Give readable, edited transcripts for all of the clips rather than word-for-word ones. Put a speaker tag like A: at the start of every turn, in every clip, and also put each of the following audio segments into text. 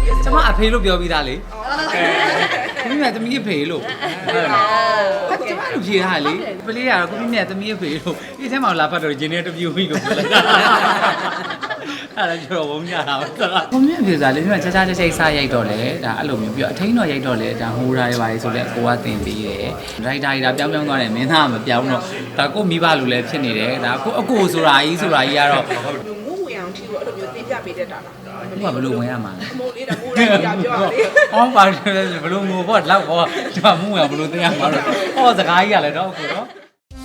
A: ကျမအဖေလို့ပြောပြီးသားလေကိုမြင့်သမီးအဖေလို့ဟုတ်လားကျမတို့ဖြေထားလေပလေးကတော့ကိုမြင့်သမီးအဖေလို့ဒီထဲမှာလာဖတ်တော့ဂျင်းနဲ့တပြူပြီးလို့ပြောလိုက်တာအဲ့ဒါကျွန်တော်ဝုန်းကြတာပါကိုမြင့်အဖေစားလေမြင့်ချာချာချိတ်ချိတ်စားရိုက်တော့လေဒါအဲ့လိုမျိုးပြီးတော့အထင်းတော်ရိုက်တော့လေဒါဟိုးထားရပါလေဆိုလဲကိုကတင်ပြီးတယ်ဒရိုက်တာကြီးဒါပြောင်းသွားတယ်မင်းသားကမပြောင်းတော့ဒါကိုမိဘလူလည်းဖြစ်နေတယ်ဒါကိုအကိုဆိုတာကြီးကတော့
B: ငုံဝင်အောင်ထီကိုအဲ့လိုမျိုးတင်ပြပေးတတ်တာလား
A: ဘာဘလို့ဝင်ရမှာလဲ
B: မိုးလေးတော့မိုးလေးပြောရလေ
A: ဟောပါဘလို့ငိုပေါ့လောက်ပေါ့ဒီမှာမှုရဘလို့သိရမှာတော့ဟောစကားကြီးရလဲတော့အခုတော့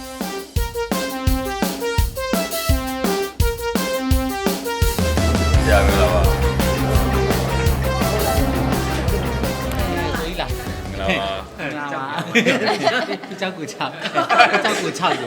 C: ကြာပြီလားပါ
A: သေးလား
C: မလားပါ
A: ကြောက်ကိုချောက်ဆို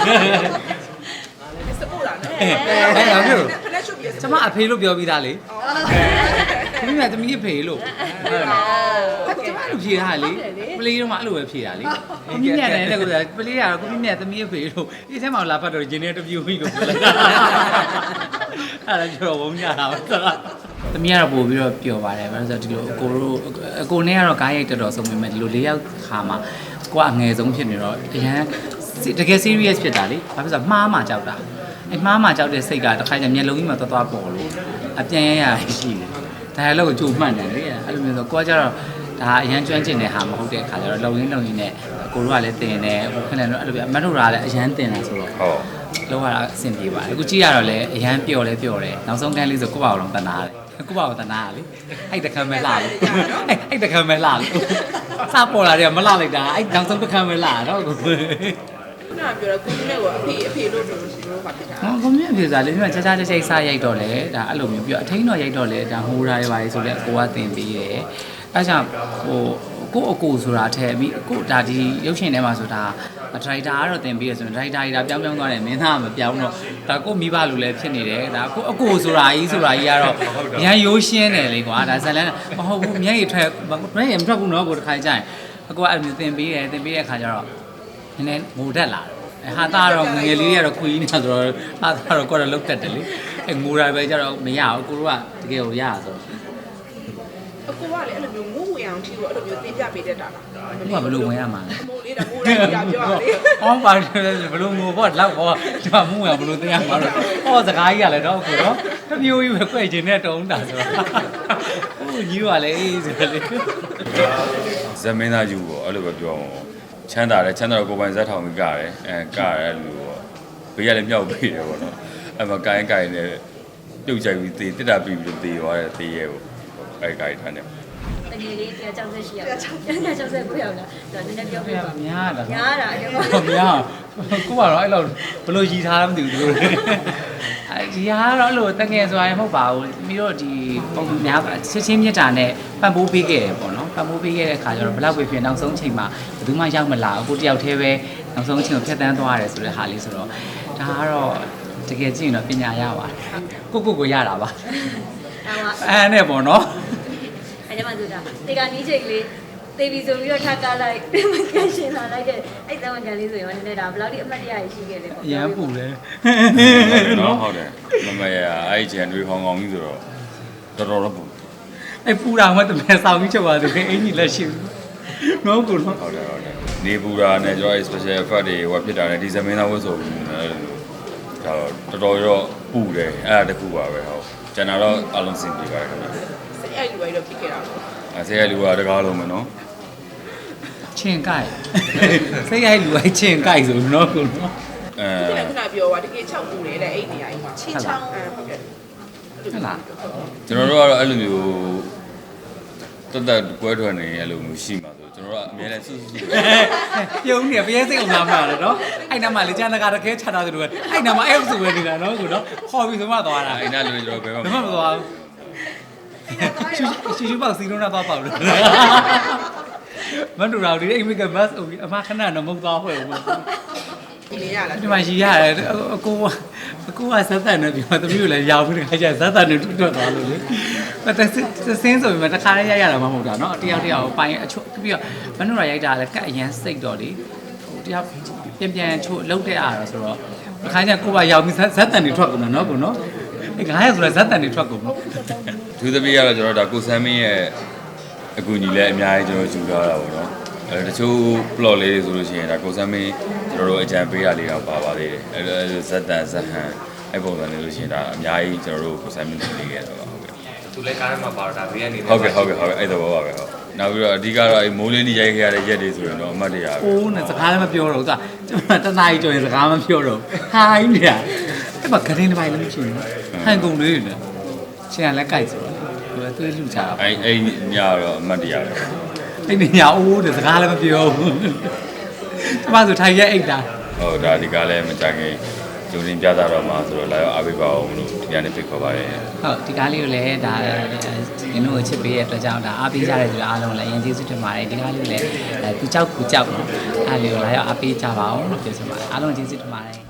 B: စပို့လာနော်
A: အဲ့ရောမျိုး
B: ဖလက်ရှုပ်ပြီး
A: ကျမအဖေလို့ပြောပြီးသားလေကိုမြင့်သမီးအဖေလို့ဟုတ်လားကျမတို့ဖြေထားလေပလေးတော့မှအဲ့လိုပဲဖြေတာလေကိုမြင့်နဲ့လည်းကိုပလေးကတော့ကိုမြင့်သမီးအဖေလို့ဒီထဲမှာလာဖတ်တော့ဂျင်းနဲ့တပြူပြီးလို့ပြောလိုက်တာအဲ့ဒါကျွန်တော်ဝုန်းကြတာပါသမီးကတော့ပို့ပြီးတော့ပျော်ပါတယ်ဘာလို့ဆိုတော့ဒီလိုအကိုနဲ့ကတော့ကားရိုက်တော်ဆုံးပေမဲ့ဒီလို၄ယောက်ခါမှာကိုကအငယ်ဆုံးဖြစ်နေတော့အရန်တကယ် serious ဖြစ်တာလေဘာဖြစ်လို့မှားမှကြောက်တာအဲ့မှားမှကြောက်တဲ့စိတ်ကတစ်ခါကျမျက်လုံးကြီးမှာသွားပေါ်လို့အပြန်ရရှိတယ်ဒါလည်းကိုကြိုမှတ်တယ်လေအဲ့လိုမျိုးဆိုကိုကကျတော့ဒါအရန်ကျွမ်းကျင်တဲ့ဟာမဟုတ်တဲ့ခါကျတော့လုံရင်းနဲ့ကိုတို့ကလည်းတင်တယ်ဟိုခဏလည်းအဲ့လိုပြအမတ်တို့ကလည်းအရန်တင်တာဆိုတော့
C: ဟုတ်
A: လောက်ရတာအဆင်ပြေပါတယ်အခုကြည့်ရတော့လည်းအရန်ပျော်တယ်နောက်ဆုံးကန်းလေးဆိုကိုယ့်ဘာလို့တနာတယ်ကိုယ့်ဘာကိုတနာရလေအဲ့တခါမဲ့လာလို့အဲ့တခါမဲ့လာလို့စပေါ်လာတယ်မလာလိုက်တာအဲ့နောက်ဆုံးတခါမဲ့လာတော့ကို
B: ခုနကပြောတော့ကိုကြီးနဲ့ကအဖေလို့ဆိုလို့ရှိလို့ပါဖြစ်တာ
A: ဟောကိုမြင့်အဖေစားလေမြင့်ချာချာချိတ်စားရိုက်တော့လေဒါအဲ့လိုမျိုးပြီးတော့အထင်းတော်ရိုက်တော့လေဒါဟိုးထားရပါလေဆိုလဲကိုကတင်ပြီးတယ်အဲ့ကြောင့်ဟိုကိုအကိုဆိုတာအထက်ပြီးကိုဒါဒီရုပ်ရှင်ထဲမှာဆိုတာဒရိုက်တာကတော့တင်ပြီးရဆိုရင်ဒရိုက်တာကြီးဒါပြောင်းသွားတယ်မင်းသားကမပြောင်းတော့ဒါကိုမိဘလူလည်းဖြစ်နေတယ်ဒါကိုအကိုဆိုတာကြီးကတော့ရန်ရိုးရှင်းတယ်လေကွာဒါဇလန်းမဟုတ်ဘူးမျက်ရည်ထွက်မျက်ရည်မထွက်ဘူးနော်ကိုတစ်ခါကြရင်အကိုကအဲ့လိုတင်ပြီးတဲ့အခါကျတော့နည်းနည်းငိုတတ်လာတယ်ဟာသားတော့ငငယ်လေးတွေကတော့ခွေးနေတာဆိုတော့ဟာသားတော့ကိုယ်တော့လုတ်တတ်တယ်လေအဲငိုတာပဲကျတော့မရဘူးကိုတို့ကတကယ်ကိုရတာဆို
B: အကိုကလည်းအဲ့လိုမျိုးငုံဝင်အောင်ထီကိုအဲ့လိုမျိုးတင်ပြပေးတတ်တာလား
A: ဘာဘလို့ဝင်ရမှာလဲ
B: မိုးလေးတော့မိုးလေးပြောရလေ
A: ဟောပါဘလို့ငိုပေါ့လောက်ပေါ့ဒီမှာမှုရဘလို့သိရမှာတော့ဟောစကားကြီးရလဲတော့အခုတော့တမျိုးကြီးပဲကြွက်ချင်တဲ့တုံးတာဆိုတော့ဟိုကြီးကလည်းအေးဆိုလေ
C: ဇမင်းသားယူပေါ့အဲ့လိုပဲပြောအောင်ချမ်းသာတော့ကိုပိုင်ဇက်ထောင်ကြီးကရတယ်ကရတယ်လူပေါ့ဘေးကလည်းမြောက်ပြီးတယ်ပေါ့နော်အဲ့မှာကိုင်းနဲ့ပြုတ်ကြိုက်ပြီးတေးတက်တာပြီးပြီးတေးသွားတယ်တေးရဲပေါ့အဲ့ကိုင်းထားတယ်
D: တကယ်လေး168ရောက်169ရောက်လာတော့နည်းနည်းပြောပြပါ
A: များတာ
D: ညားတာအတော့
A: ဟုတ်များကိုကတော့အဲ့လိုဘလို့ရည်ထားမှမသိဘူးသူတို့အဲဒီဟာကတော့အဲ့လိုတကယ်ဆိုရင်မဟုတ်ပါဘူးပြီးတော့ဒီပုံများချင်းမြတ်တာနဲ့ပံ့ပိုးပေးခဲ့တယ်ပေါ့နော်ပံ့ပိုးပေးခဲ့တဲ့အခါကျတော့ဘလောက်ပဲဖြစ်နောက်ဆုံးချိန်မှာဘယ်သူမှရောက်မလာဘူးကိုတယောက်တည်းပဲနောက်ဆုံးချိန်ကိုဖျက်ဆီးသွားရတယ်ဆိုတဲ့ဟာလေးဆိုတော့ဒါကတော့တကယ်ကြည့်ရင်တော့ပညာရပါတယ်ကိုရတာပါအဲ့နဲ့ပေါ့နော်
D: အဲ့ဒီမှာဆိုတာတေကနီးချိန်လေးတေးပြီးဆိုပြီးတော့ထားကားလိုက်မကန်ရှင်လာလိုက်တဲ့အဲ့သမကန်လေးဆိုရင်လည်းဒါဘယ်လောက်ဒီအမှတ်တရရှိခဲ့လဲပေါ့
A: ရမ်းပူတယ်
C: နော်ဟုတ်တယ်မမရအဲ့ချန်တွေဟောင်းကောင်းကြီးဆိုတော့တော်တော့ပူ
A: အဲ့ပူတာမှတမဲဆောင်ပြီးချက်ပါသေးတယ်အင်ကြီးလက်ရှိဘူးနော်ကိုနော်
C: ဟုတ်တယ်နေပူတာနဲ့ကျွန်တော် special effect တွေဟိုဖြစ်တာနဲ့ဒီဇမင်းသားဝတ်ဆိုဒါတော်တော်ပူတယ်အဲ့ဒါတခုပါပဲဟုတ်ကျန်တာတော့အလုံးစင်ပြပါတယ်ခင်ဗျာ
B: စိတ်အဲ့လူတွေတော့ဖြစ်ခဲ့တာပေါ့
C: ဆေးရလူကတကားလုံးမယ်နော်
A: ချင်းကြိုက်စိတ်ရိုက်လူအိုက်ချင်းကြိုက်ဆိုနော်ကိုနော်
B: ခုနပြောပါတကယ်6ပူနေတယ်အဲ့နေရာကြီးမှာချင်းချောင်းဟုတ်ကဲ့
A: ဟုတ်လား
C: ကျွန်တော်တို့ကတော့အဲ့လိုမျိုးတက်ကွဲထွက်နေအဲ့လိုမျိုးရှိမှာဆိုကျွန်တော်တို့ကအများနဲ့စွတ်စွတ်
A: ပြုံးနေပြည့်စိတ်အောင်လာမှာလေနော်အဲ့နားမှာလေကျန်တကာတခဲချတာဆိုတော့အဲ့နားမှာအဲ့ဆိုပဲနေတာနော်ကိုနော်ခေါ်ပြီးဆိုမှသွားတာ
C: အဲ့နာလူတွေကျွန်တော်ဘယ်မှာ
A: ဘယ်မှမသွားဘူးရှူပေါက်စီလုံးတော့ပေါက်လို့မတူတော့ဒီအိမ်မကဘတ်အမခဏတော့မဟုတ်သွားဖွဲ့ဘူး
B: ဒီနေရလား
A: ဒီမှာရီရတယ်အကိုကဇက်သက်နေပြီသမီးကိုလည်းရောက်ပြီးတခါကျဇက်သက်နေတွတ်သွားလို့လေစင်းဆိုပြီးမှတခါလေးရတာမှမဟုတ်တာเนาะတယောက်ပိုင်းအချို့ပြီးတော့မနှုတ်ရရိုက်တာလည်းကတ်အရန်စိတ်တော့လေဟိုတယောက်ပြန်ချို့လှုပ်တဲ့အားတော့ဆိုတော့တခါကျကိုကရောက်ပြီးဇက်သက်နေထွက်ကုန်တာเนาะကိုเนาะ 900ဆိုတော့ဇက်တန်တွေထွက်ကုန်
C: သူသမီးကတော့ကျွန်တော်ဒါကိုဆမ်းမင်းရဲ့အကူကြီးလည်းအများကြီးကျွန်တော်ယူထားတာပေါ့နော်တချို့ plot လေးတွေဆိုလို့ရှိရင်ဒါကိုဆမ်းမင်းကျွန်တော်တို့အကြံပေးတာလေးတော့ပါပါသေးတယ်ဇက်တန်ဇက်ဟန်အဲ့ပုံစံလေးလို့ရှိရင်ဒါအများကြီးကျွန်တော်တို့ကိုဆမ်းမင်းတင်ပေးခဲ့တာပါဟုတ်ကဲ့သူလည်းကားထဲမှာပါတော့ဒါဘေးကနေဟုတ်ကဲ့အဲ့တော့ပါပဲဟုတ်နောက်ပြီးတော့အဓိကတော့အဲ့မိုးလင်းကြီးရိုက်ခဲ့ရတဲ့ရက်တွေဆိုရင်တော့အမှတ်တရပဲ
A: အိုးနဲ့စကားလည်းမပြောတော့ဘူးကျွန်တော်တနားကြီးကြော်ရင်စကားမပြောတော့ဟာကြီးနေတာအဲ့မှာဂရင်းတစ်ပိုင်းလည်းမရှိဘူးဟန်ကုန်လေးတွေနဲ့ချင်းကလည်းကြိုက်ဆိုတော့သူကသူ့လူချတာ
C: အဲ့ညတော့အမှတ်တရပဲ
A: အဲ့ဒီညာအိုးတဲ့စကားလည်းမပြောဘူးကျမဆိုထိုင်ရဲအိတ်တာ
C: ဟုတ်ဒါဒီကားလည်းမကြခင်ကျုံတင်ပြတာတော့မှာဆိုတော့လာရောက်အားပေးပါအောင်လို့ဒီကနေဖိတ်ခေါ်ပါရစေ
A: ဟုတ်ဒီကားလေးကိုလည်းဒါရင်းတို့ချစ်ပေးတဲ့အတွက်ကြောင့်ဒါအားပေးကြတဲ့သူအားလုံးလည်းအရင်ကျေးဇူးတင်ပါတယ်ဒီကားလေးကိုလည်းသူကြောက်နော်အားလေးကိုလာရောက်အားပေးကြပါအောင်လို့ပြောချင်ပါတယ်အားလုံးကျေးဇူးတင်ပါတယ်